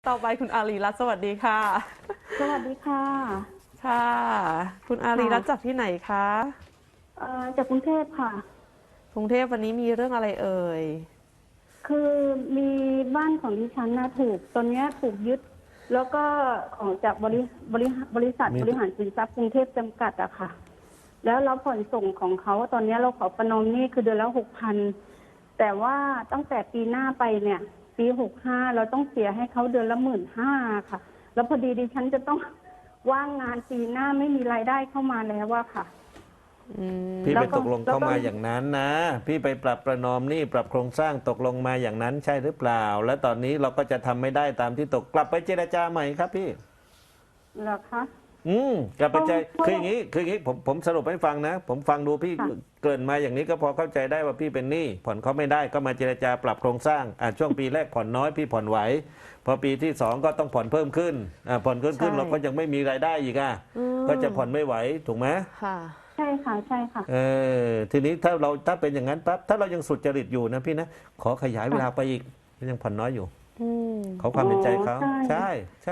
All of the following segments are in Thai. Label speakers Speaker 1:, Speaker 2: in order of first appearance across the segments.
Speaker 1: ต่อไปคุณอารีรัตน์สวัสดีค่ะ
Speaker 2: สวัสดีค่ะ
Speaker 1: ค่ะ คุณอารีรัตน์จากที่ไหนคะ
Speaker 2: จากกรุงเทพค่ะ
Speaker 1: กรุงเทพวันนี้มีเรื่องอะไรเอ่ย
Speaker 2: คือมีบ้านของดิฉันนะถูกตอนนี้ถูกยึด แล้วก็ของจากบริษัทบริหารสินทรัพย์กรุงเทพจำกัดอะค่ะ แล้วเราผ่อนส่งของเขาตอนนี้เราขอประนอมหนี้คือเดือนละ6,000แต่ว่าตั้งแต่ปีหน้าไปเนี่ยปี65เราต้องเสียให้เขาเดือนละ15,000ค่ะแล้วพอดีดิฉันจะต้องว่างงานปีหน้าไม่มีรายได้เข้ามาแล้วอะค่ะ
Speaker 3: พี่ไปตกลงเข้ามาอย่างนั้นนะ พี่ไปปรับประนอมหนี้ปรับโครงสร้างตกลงมาอย่างนั้นใช่หรือเปล่า และตอนนี้เราก็จะทำไม่ได้ตามที่ตกกลับไปเจรจาใหม่ครับพี่
Speaker 2: เหรอคะ
Speaker 3: กลับไปใจคืออย่างนี้ผมสรุปให้ฟังนะ ผมฟังดูพี่เกริ่นมาอย่างนี้ก็พอเข้าใจได้ว่าพี่เป็นหนี้ผ่อนเขาไม่ได้ก็มาเจรจาปรับโครงสร้างช่วงปีแรกผ่อนน้อยพี่ผ่อนไหวพอปีที่2ก็ต้องผ่อนเพิ่มขึ้นผ่อนขึ้นเราก็ยังไม่มีรายได้อีกก็จะผ่อนไม่ไหวถูกไหม
Speaker 1: ค่ะ
Speaker 2: ใช่ค่ะใช่ค่ะ
Speaker 3: ทีนี้ถ้าเป็นอย่างนั้นปั๊บถ้าเรายังสุจริตอยู่นะพี่นะขอขยายเวลาไปอีกยังผ่อนน้อยอยู่เขาความเป็นใจเขาใช่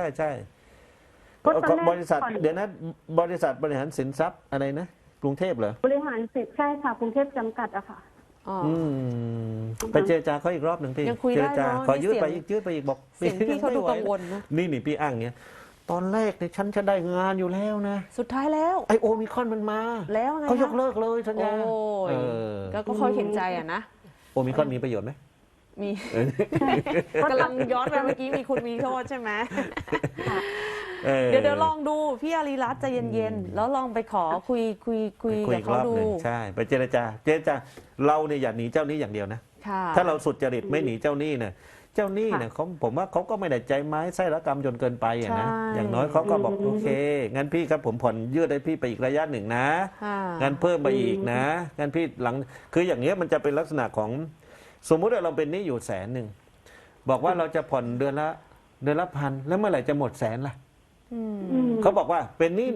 Speaker 3: บริษัทเดี๋ยวนะบริษัทบริหารสินทรัพย์อะไรนะกรุงเทพเหรอบ
Speaker 2: ริหารสินใช่ค่ะกรุงเทพจำกัดอะค่ะ
Speaker 3: ไปเจรจาเขาอีกรอบหนึ่งพี่
Speaker 1: เจรจา
Speaker 3: ขอยืดไปอีกบอก
Speaker 1: เสียงพี่เขาดูกังวลนะ
Speaker 3: นี่พี่อ้างเนี้ยตอนแรกเนี่ยฉันจะได้งานอยู่แล้วนะ
Speaker 1: สุดท้ายแล้ว
Speaker 3: ไอโอมิคอนมันมา
Speaker 1: แล้วไง
Speaker 3: เขายกเลิกเลยสัญญา
Speaker 1: ก็คอยเห็นใจอะนะ
Speaker 3: โอมิคอนมีประโยชน์ไหม
Speaker 1: มีกำลังย้อนไปเมื่อกี้มีคุณมีโทษใช่ไหมเดี๋ยวลองดูพี่อารีรัตน์ใจเย็นๆแล้วลองไปขอคุยกับเขาดู
Speaker 3: ใช่ไปเจรจาเราเนี่ยอย่าหนีเจ้าหนี้อย่างเดียวนะถ้าเราสุดจริตไม่หนีเจ้าหนี้เนี่ยเจ้าหนี้เนี่ยผมว่าเขาก็ไม่ได้ใจไม้ไส้ระกรรมจนเกินไปนะอย่างน้อยเขาก็บอกโอเคงั้นพี่ครับผมผ่อนยืดให้พี่ไปอีกระยะหนึ่งนะงั้นเพิ่มไปอีกนะงั้นพี่หลังคืออย่างเงี้ยมันจะเป็นลักษณะของสมมุติว่าเราเป็นหนี้อยู่100,000บอกว่าเราจะผ่อนเดือนละ1,000แล้วเมื่อไหร่จะหมดแสนล่ะเขาบอกว่าเป็นหนี้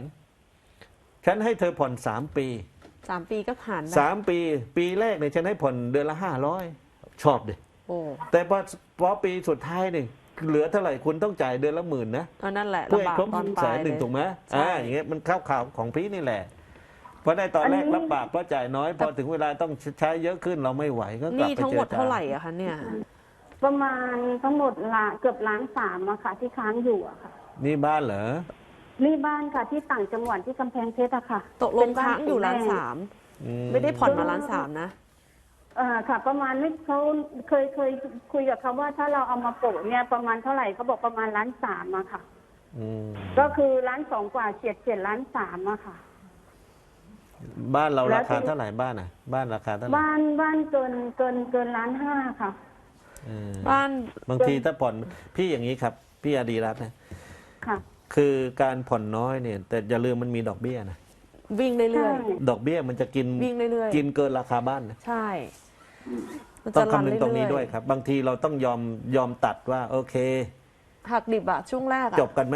Speaker 3: 100,000ฉันให้เธอผ่อน3 ปี
Speaker 1: 3 ปีก็ผ่าน
Speaker 3: ปีแรกเนี่ยฉันให้ผ่อนเดือนละ500ชอบดิแต่พอปีสุดท้ายเนี่ยเหลือเท่าไหร่คุณต้องจ่ายเดือนละ10,000นะ
Speaker 1: นั่นแหละ
Speaker 3: เพื่อให้ครบ100,000ถูกไหมอย่างเงี้ยมันเข้าข่าวของพี่นี่แหละเพราะในตอนแรกรับปากเพราะจ่ายน้อยพอถึงเวลาต้องใช้เยอะขึ้นเราไม่ไหวก็กลับไปเจรจา
Speaker 1: นี่ทั้งหมดเท่าไหร่อะคะเนี่ย
Speaker 2: ประมาณทั้งหมดเกือบ1,300,000อะค่ะที่ค้างอยู่อะค่ะ
Speaker 3: นี่บ้านเหรอ
Speaker 2: นี่บ้านค่ะที่ต่างจังหวัดที่กำแพงเพชรอะค่ะ
Speaker 1: ตกลงค้างอยู่1,300,000ไม่ได้ผ่อนมา1,300,000นะ
Speaker 2: ค่ะประมาณนี้เขาเคยคุยกับเขาว่าถ้าเราเอามาโปะเนี่ยประมาณเท่าไหร่เขาบอกประมาณ1,300,000อะค่ะก็คือ1,200,000กว่าเฉียด1,300,000อะค่ะ
Speaker 3: บ้านเราราคาเท่าไหร่บ้านบ้านราคาเท่าไหร่
Speaker 2: บ้านเกิน1,500,000ค่ะ
Speaker 1: บ้าน
Speaker 3: บางทีถ้าผ่อนพี่อย่างนี้ครับพี่อดีรัตน์นะ
Speaker 2: ค่ะ
Speaker 3: คือการผ่อนน้อยเนี่ยแต่อย่าลืมมันมีดอกเบี้ยนะ
Speaker 1: วิ่งเรื่อย
Speaker 3: ๆดอกเบี้ยมันจะกิน
Speaker 1: วิ่งเรื่อย
Speaker 3: ๆกินเกินราคาบ้านนะ
Speaker 1: ใช่
Speaker 3: ต้องคำนึงตรงนี้ด้วยครับบางทีเราต้องยอมตัดว่าโอเค
Speaker 1: หักดิบอะช่วงแรก
Speaker 3: จบกันไหม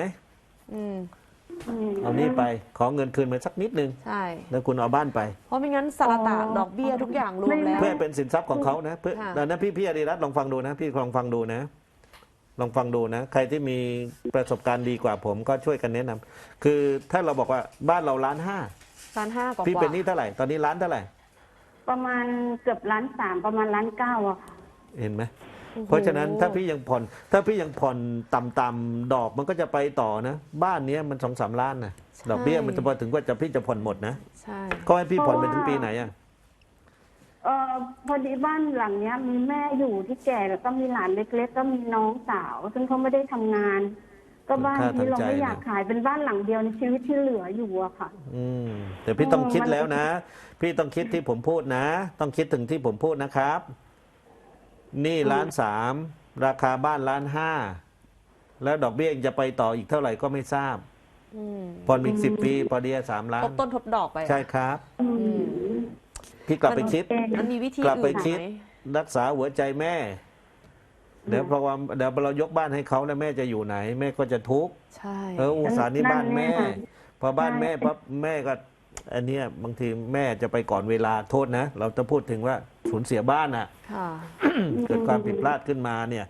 Speaker 3: เอานี่ไปขอเงินคืนมาสักนิดนึง
Speaker 1: ใช่
Speaker 3: แล้วคุณเอาบ้านไป
Speaker 1: เพราะไม่งั้นสารตะดอกเบี้ยทุกอย่างรวมแล้ว
Speaker 3: เพื่อเป็นสินทรัพย์ของเขานะเพื่อนะพี่อดีรัตน์ลองฟังดูนะพี่ลองฟังดูนะลองฟังดูนะใครที่มีประสบการณ์ดีกว่าผมก็ช่วยกันแนะนำคือถ้าเราบอกว่าบ้านเรา1,500,000
Speaker 1: กว่า
Speaker 3: พี่เป็นหนี้เท่าไหร่ตอนนี้ล้านเท่าไหร่
Speaker 2: ประมาณเกือบ1,300,000ประมาณ1,900,000อะค่ะ
Speaker 3: เห็นไหมเพราะฉะนั้นถ้าพี่ยังผ่อนต่ำๆดอกมันก็จะไปต่อนะบ้านนี้มัน2-3 ล้านนะดอกเบี้ยมันจะพอถึงว่าพี่จะผ่อนหมดนะ
Speaker 1: ใช่
Speaker 3: ก็ให้พี่ผ่อนไปถึงปีไหนอ่ะ
Speaker 2: พอดีบ้านหลังเนี้ยมีแม่อยู่ที่แก่แล้วก็มีหลานเล็กๆก็มีน้องสาวซึ่งเขาไม่ได้ทำงานก็บ้านนี้เราไม่อยากขายเป็นบ้านหลังเดียวในชีวิตที่เหลืออยู่อะค่ะ
Speaker 3: แต่พี่ต้องคิดแล้วนะพี่ต้องคิดที่ผมพูดนะต้องคิดถึงที่ผมพูดนะครับนี่1,300,000ราคาบ้าน1,500,000แล้วดอกเบี้ยจะไปต่ออีกเท่าไหร่ก็ไม่ทราบผ่อนอีก10 ปีพอดี3 ล้าน
Speaker 1: ทบต้นทบดอกไป
Speaker 3: ใช่ครับพี่กลับไปคิด
Speaker 1: มันมีวิธี
Speaker 3: กลับไป
Speaker 1: อื่น
Speaker 3: คิด
Speaker 1: ไหม
Speaker 3: รักษาหัวใจแม่เดี๋ยวเรายกบ้านให้เขาแล้วแม่จะอยู่ไหนแม่ก็จะทุกข์
Speaker 1: ใช่
Speaker 3: อุตส่าห์นี่บ้านแม่พอบ้านแม่ปั๊บแม่ก็อันเนี้ยบางทีแม่จะไปก่อนเวลาโทษนะเราจะพูดถึงว่าสูญเสียบ้านอ่ะเกิดความผิดพลาดขึ้นมาเนี่ย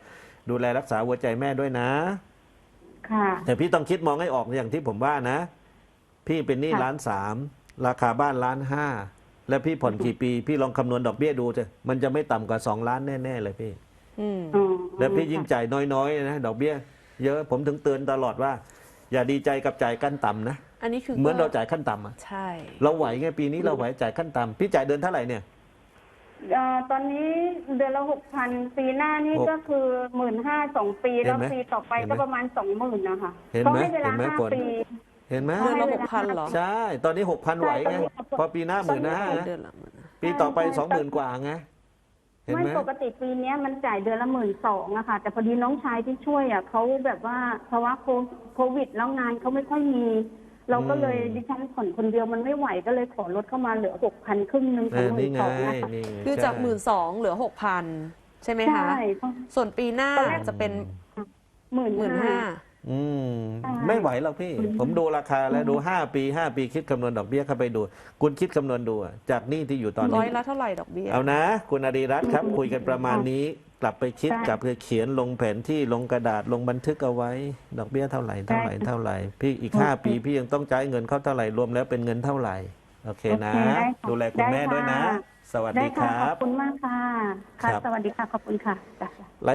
Speaker 3: ดูแลรักษาหัวใจแม่ด้วยนะ
Speaker 2: ค่ะ
Speaker 3: แต่พี่ต้องคิดมองให้ออกอย่างที่ผมว่านะ พี่เป็นหนี้
Speaker 2: ค่ะ
Speaker 3: 1.3 ล้านราคาบ้าน1.5 ล้านแล้วพี่ผ่อนกี่ปี พี่ลองคำนวณดอกเบี้ยดูเถอะมันจะไม่ต่ำกว่า2 ล้านแน่ๆเลยพี่
Speaker 1: อืม
Speaker 2: อ๋อ
Speaker 3: แล้วพี่ยิ่งจ่ายน้อยๆนะดอกเบี้ยเยอะผมถึงเตือนตลอดว่า อย่าดีใจกับจ่ายขั้นต่ำนะ
Speaker 1: อันนี้คือ
Speaker 3: เหมือนเราจ่ายขั้นต่ำอะ
Speaker 1: ใช่
Speaker 3: เราไหวไงปีนี้เราไหวจ่ายขั้นต่ำพี่จ่ายเดือนเท่าไหร่เนี่ย
Speaker 2: ตอนนี้เดือนละ6,000ปีหน้านี่
Speaker 3: หก
Speaker 2: ก็คือ15,000 2 ปี
Speaker 3: เห็น
Speaker 2: แล้ว
Speaker 3: ไหม
Speaker 2: ปีต่อไป
Speaker 3: เห็นไหม
Speaker 2: ก็ประมาณ 20,000นะคะ
Speaker 3: เห็น
Speaker 2: เขา
Speaker 3: ไหม
Speaker 2: ให้เวลา
Speaker 3: เห็นไหมฝน
Speaker 2: 5 ปี
Speaker 3: เห็นไหม
Speaker 1: เดือนละ
Speaker 2: ให้เวลา
Speaker 1: 6,000เหรอ
Speaker 3: ใช่ ตอนนี้ 6,000ไหวไง
Speaker 2: ใช่
Speaker 3: พอปีหน้า
Speaker 2: ตอนนี้
Speaker 3: 15,000
Speaker 1: เดือนละหมื่น
Speaker 3: ปีต่อไป
Speaker 2: ใช่
Speaker 3: 20,000 กว่าไงเห็น
Speaker 2: ไม่
Speaker 3: ไหม
Speaker 2: ปกติปีเนี้ยมันจ่ายเดือนละ12,000อะค่ะ แต่พอดีน้องชายที่ช่วยอะเขาแบบว่าภาวะโควิดแล้วงานเขาไม่ค่อยมี เราก็เลยดิฉันผ่อนคนเดียวมันไม่ไหวก็เลยขอลดเข้ามาเหลือ6,000ครึ่งหนึงของ
Speaker 3: นี่ไง
Speaker 2: 12,000นะคะ
Speaker 3: นี่ไง
Speaker 1: คือจาก
Speaker 3: ใช่
Speaker 1: 12,000เหลือ 6,000 ใช่ไหมคะ
Speaker 2: ใช่
Speaker 1: ส่วนปีหน้า
Speaker 2: ตอนแรก
Speaker 1: จะเป็น
Speaker 2: 15,000
Speaker 3: อืม
Speaker 2: ใช่
Speaker 3: ไม่ไหวหรอกพี่ ผมดูราคาแล้วดู 5 ปี 5 ปีคิดคำนวณดอกเบี้ยเข้าไปดู คุณคิดคำนวณดูอะจากหนี้ที่อยู่ตอน
Speaker 1: ร้อ
Speaker 3: นี้
Speaker 1: ยละเท่าไหร่ดอกเบี้ย
Speaker 3: เอานะ คุณอารีรัตน์ครับ คุยกันประมาณนี้ กลับไปคิด
Speaker 2: ได้
Speaker 3: กลับไปเขียนลงแผนที่ลงกระดาษลงบันทึกเอาไว้ ดอกเบี้ยเท่าไหร่เท่าไหร่
Speaker 2: ได้ค่ะ
Speaker 3: เท่าไหร่ พี่อีก
Speaker 2: โอเค
Speaker 3: 5 ปีพี่ยังต้องจ่ายเงินเขาเท่าไหร่รวมแล้วเป็นเงินเท่าไหร่โอเคนะ
Speaker 2: โอเคได้ค่ะ
Speaker 3: ดูแลคุณแม่
Speaker 2: ได้ค่ะ
Speaker 3: ด้วยนะ สวัส
Speaker 2: ได้
Speaker 3: ดีค
Speaker 2: ค่ะ
Speaker 3: รั
Speaker 2: ขอบ บคุณมากค่ะ ค่ะ
Speaker 3: ครับ
Speaker 2: สวัสดีค่ะ ขอบคุณค่ะจ้ะ